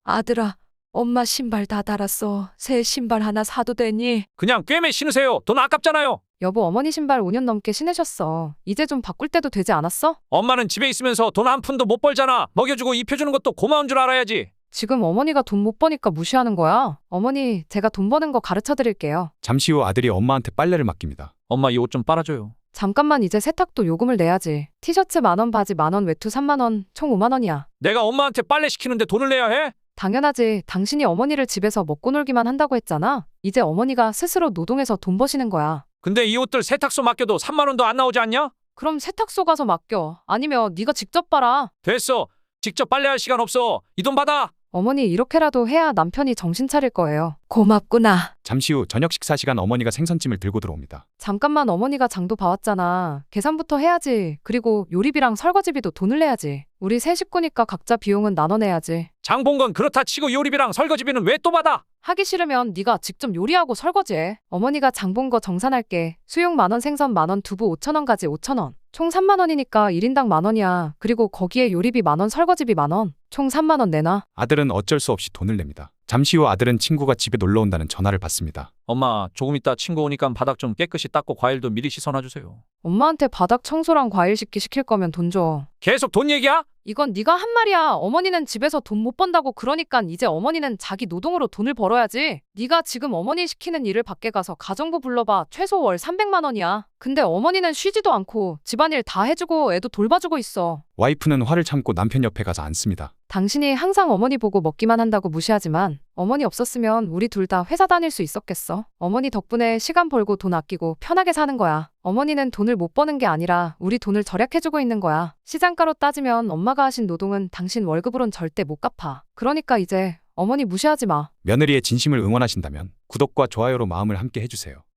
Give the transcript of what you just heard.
아들아, 엄마 신발 다 달았어. 새 신발 하나 사도 되니? 그냥 꿰매 신으세요. 돈 아깝잖아요. 여보, 어머니 신발 5년 넘게 신으셨어. 이제 좀 바꿀 때도 되지 않았어? 엄마는 집에 있으면서 돈 한 푼도 못 벌잖아. 먹여주고 입혀주는 것도 고마운 줄 알아야지. 지금 어머니가 돈 못 버니까 무시하는 거야. 어머니, 제가 돈 버는 거 가르쳐 드릴게요. 잠시 후 아들이 엄마한테 빨래를 맡깁니다. 엄마 이 옷 좀 빨아줘요. 잠깐만, 이제 세탁도 요금을 내야지. 티셔츠 10,000원, 바지 10,000원, 외투 30,000원, 총 50,000원이야. 내가 엄마한테 빨래 시키는데 돈을 내야 해? 당연하지. 당신이 어머니를 집에서 먹고 놀기만 한다고 했잖아. 이제 어머니가 스스로 노동해서 돈 버시는 거야. 근데 이 옷들 세탁소 맡겨도 3만 원도 안 나오지 않냐? 그럼 세탁소 가서 맡겨. 아니면 네가 직접 빨아. 됐어. 직접 빨래할 시간 없어. 이 돈 받아. 어머니, 이렇게라도 해야 남편이 정신 차릴 거예요. 고맙구나. 잠시 후 저녁 식사 시간 어머니가 생선찜을 들고 들어옵니다. 잠깐만, 어머니가 장도 봐왔잖아. 계산부터 해야지. 그리고 요리비랑 설거지비도 돈을 내야지. 우리 세 식구니까 각자 비용은 나눠내야지. 장 본 건 그렇다 치고 요리비랑 설거지비는 왜 또 받아? 하기 싫으면 네가 직접 요리하고 설거지해. 어머니가 장 본 거 정산할게. 수육 10,000원, 생선 10,000원, 두부 5,000원, 가지 5,000원. 총 30,000원이니까 1인당 10,000원이야. 그리고 거기에 요리비 10,000원, 설거지비 10,000원. 총 30,000원 내놔. 아들은 어쩔 수 없이 돈을 냅니다. 잠시 후 아들은 친구가 집에 놀러 온다는 전화를 받습니다. 엄마, 조금 있다 친구 오니까 바닥 좀 깨끗이 닦고 과일도 미리 씻어놔주세요. 엄마한테 바닥 청소랑 과일 씻기 시킬 거면 돈 줘. 계속 돈 얘기야? 이건 네가 한 말이야. 어머니는 집에서 돈 못 번다고 그러니까 이제 어머니는 자기 노동으로 돈을 벌어야지. 네가 지금 어머니 시키는 일을 밖에 가서 가정부 불러봐. 최소 월 300만 원이야. 근데 어머니는 쉬지도 않고 집안일 다 해주고 애도 돌봐주고 있어. 와이프는 화를 참고 남편 옆에 가서 앉습니다. 당신이 항상 어머니 보고 먹기만 한다고 무시하지만 어머니 없었으면 우리 둘 다 회사 다닐 수 있었겠어. 어머니 덕분에 시간 벌고 돈 아끼고 편하게 사는 거야. 어머니는 돈을 못 버는 게 아니라 우리 돈을 절약해주고 있는 거야. 시장가로 따지면 엄마가 하신 노동은 당신 월급으론 절대 못 갚아. 그러니까 이제 어머니 무시하지 마. 며느리의 진심을 응원하신다면 구독과 좋아요로 마음을 함께 해주세요.